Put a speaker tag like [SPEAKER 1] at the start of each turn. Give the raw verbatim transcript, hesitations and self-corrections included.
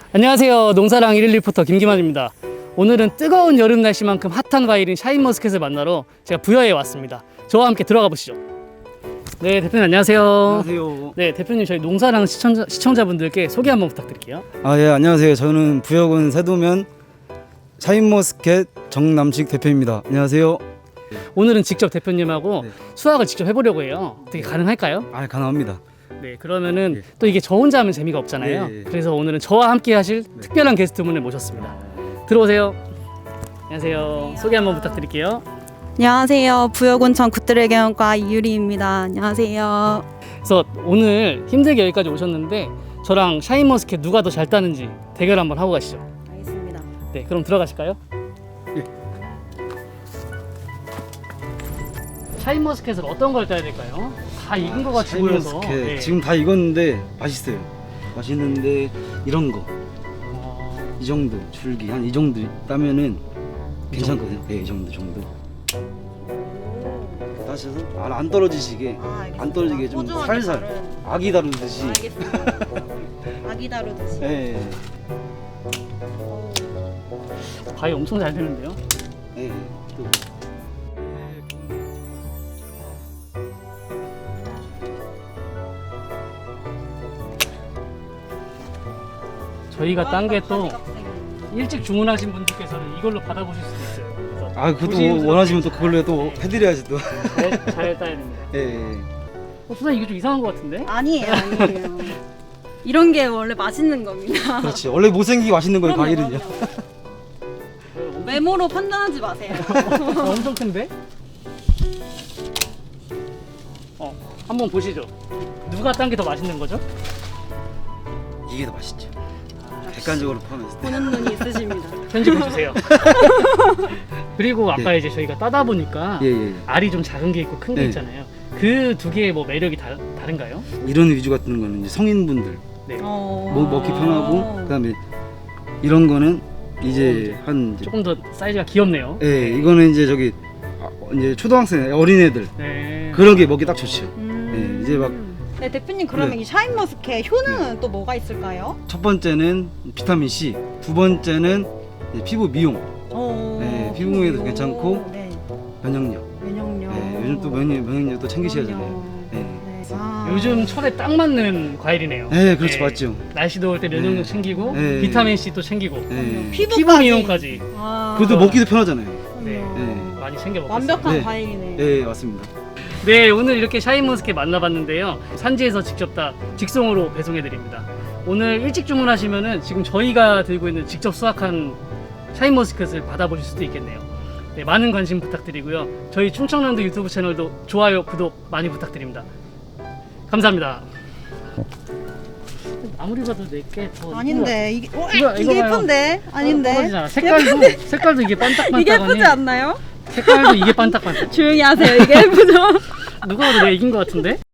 [SPEAKER 1] 안녕하세요. 농사랑 일일 리포터 김기만입니다. 오늘은 뜨거운 여름 날씨만큼 핫한 과일인 샤인머스켓을 만나러 제가 부여에 왔습니다. 저와 함께 들어가 보시죠. 네, 대표님 안녕하세요.
[SPEAKER 2] 안녕하세요.
[SPEAKER 1] 네, 대표님 저희 농사랑 시청자, 시청자분들께 소개 한번 부탁드릴게요.
[SPEAKER 2] 아, 예, 안녕하세요. 저는 부여군 세도면 샤인머스켓 정남식 대표입니다. 안녕하세요.
[SPEAKER 1] 오늘은 직접 대표님하고
[SPEAKER 2] 네.
[SPEAKER 1] 수확을 직접 해보려고 해요. 어떻게 가능할까요?
[SPEAKER 2] 아, 가능합니다.
[SPEAKER 1] 네, 그러면은
[SPEAKER 2] 예.
[SPEAKER 1] 또 이게 저 혼자 하면 재미가 없잖아요.
[SPEAKER 2] 예, 예.
[SPEAKER 1] 그래서 오늘은 저와 함께 하실 특별한 게스트분을 모셨습니다. 들어오세요. 안녕하세요. 소개 한번 부탁드릴게요.
[SPEAKER 3] 안녕하세요. 부여군청 굿드래곤과 이유리입니다. 안녕하세요.
[SPEAKER 1] 그래서 오늘 힘들게 여기까지 오셨는데 저랑 샤인머스켓 누가 더 잘 따는지 대결 한번 하고 가시죠.
[SPEAKER 3] 알겠습니다.
[SPEAKER 1] 네, 그럼 들어가실까요?
[SPEAKER 2] 예.
[SPEAKER 1] 샤인머스켓을 어떤 걸 따야 될까요? 다 익은 거 같이 보여서.
[SPEAKER 2] 샤인머스켓
[SPEAKER 1] 네.
[SPEAKER 2] 지금 다 익었는데 맛있어요. 맛있는데 이런 거,
[SPEAKER 1] 어,
[SPEAKER 2] 이 정도 줄기 한 이 정도 따면은 괜찮거든요. 네, 이 정도 정도. 다시 해서 안, 안 떨어지시게 안 떨어지게 좀 살살 아기 다루듯이.
[SPEAKER 3] 알겠습니다. 아기 다루듯이.
[SPEAKER 2] 네,
[SPEAKER 1] 과일 엄청 잘 되는데요?
[SPEAKER 2] 네. 또.
[SPEAKER 1] 저희가 딴 게 또 일찍 주문하신 분들께서는 이걸로 받아보실 수도 있어요. 그래서
[SPEAKER 2] 아, 그것도
[SPEAKER 1] 조심스럽게
[SPEAKER 2] 원하시면 또 그걸로 또 해드려야지 또.
[SPEAKER 1] 잘, 잘 따야 됩니다.
[SPEAKER 2] 예, 예.
[SPEAKER 1] 어, 수사님 이거 좀 이상한 것 같은데?
[SPEAKER 3] 아니에요, 아니에요. 이런 게 원래 맛있는 겁니다.
[SPEAKER 2] 그렇지. 원래 못생기게 맛있는 거예요,
[SPEAKER 3] 그럼요,
[SPEAKER 2] 과일은요.
[SPEAKER 3] 그럼요. 외모로 판단하지 마세요.
[SPEAKER 1] 어, 엄청 큰데? 어, 한번 보시죠. 누가 딴 게 더 맛있는 거죠?
[SPEAKER 2] 이게 더 맛있죠. 객관적으로 포함했을 때.
[SPEAKER 3] 보는 눈이 있으십니다.
[SPEAKER 1] 편집해 주세요. 그리고 아까
[SPEAKER 2] 예.
[SPEAKER 1] 이제 저희가 따다 보니까
[SPEAKER 2] 예, 예.
[SPEAKER 1] 알이 좀 작은 게 있고 큰 게
[SPEAKER 2] 네.
[SPEAKER 1] 있잖아요. 그 두 개의 뭐 매력이 다, 다른가요?
[SPEAKER 2] 이런 위주 같은 거는 이제 성인분들
[SPEAKER 1] 네.
[SPEAKER 3] 어...
[SPEAKER 2] 먹, 먹기 편하고, 그다음에 이런 거는 이제 한 이제,
[SPEAKER 1] 조금 더 사이즈가 귀엽네요.
[SPEAKER 2] 예, 이거는 이제 저기 아, 이제 초등학생 어린애들
[SPEAKER 1] 네.
[SPEAKER 2] 그런 게 먹기 딱 좋죠.
[SPEAKER 3] 음...
[SPEAKER 2] 예, 이제 막-
[SPEAKER 3] 네, 대표님 그러면
[SPEAKER 2] 네.
[SPEAKER 3] 이 샤인머스켓 효능은 또 뭐가 있을까요?
[SPEAKER 2] 첫 번째는 비타민 C, 두 번째는 이제 피부 미용,
[SPEAKER 3] 어...
[SPEAKER 2] 네, 피부에도 괜찮고,
[SPEAKER 3] 네,
[SPEAKER 2] 면역력.
[SPEAKER 3] 면역력.
[SPEAKER 2] 예, 요즘 또 면역 면역력도 챙기셔야
[SPEAKER 3] 그럼요.
[SPEAKER 2] 되잖아요. 예.
[SPEAKER 3] 네. 아.
[SPEAKER 1] 요즘 철에 딱 맞는 과일이네요.
[SPEAKER 2] 네, 그렇죠,
[SPEAKER 1] 네.
[SPEAKER 2] 맞죠.
[SPEAKER 1] 날씨 더울 때 면역력
[SPEAKER 2] 네.
[SPEAKER 1] 챙기고
[SPEAKER 2] 네.
[SPEAKER 1] 비타민 C도 챙기고
[SPEAKER 2] 예.
[SPEAKER 3] 피부까지.
[SPEAKER 1] 피부 미용까지
[SPEAKER 3] 아.
[SPEAKER 2] 그것도 먹기도 편하잖아요.
[SPEAKER 1] 네.
[SPEAKER 3] 그럼요.
[SPEAKER 1] 많이 챙겨 먹고 있습니다.
[SPEAKER 3] 완벽한
[SPEAKER 2] 네.
[SPEAKER 3] 과일이네.
[SPEAKER 2] 예, 맞습니다.
[SPEAKER 1] 네, 오늘 이렇게 샤인머스켓 만나봤는데요. 산지에서 직접 다 직송으로 배송해드립니다. 오늘 일찍 주문하시면은 지금 저희가 들고 있는 직접 수확한 샤인머스켓을 받아보실 수도 있겠네요. 네, 많은 관심 부탁드리고요. 저희 충청남도 유튜브 채널도 좋아요, 구독 많이 부탁드립니다. 감사합니다. 아무리 봐도 내게 더
[SPEAKER 3] 아닌데 이게 어,
[SPEAKER 1] 이거-
[SPEAKER 3] 이게
[SPEAKER 1] 이거 봐요.
[SPEAKER 3] 예쁜데 아닌데
[SPEAKER 1] 떨어지잖아. 색깔도 색깔도 이게 반딱반딱하니.
[SPEAKER 3] 이게 예쁘지 않나요?
[SPEAKER 1] 색깔도 이게 반딱반딱.
[SPEAKER 3] 조용히 하세요. 이게 예쁘죠?
[SPEAKER 1] 누가 봐도 내가 이긴 것 같은데?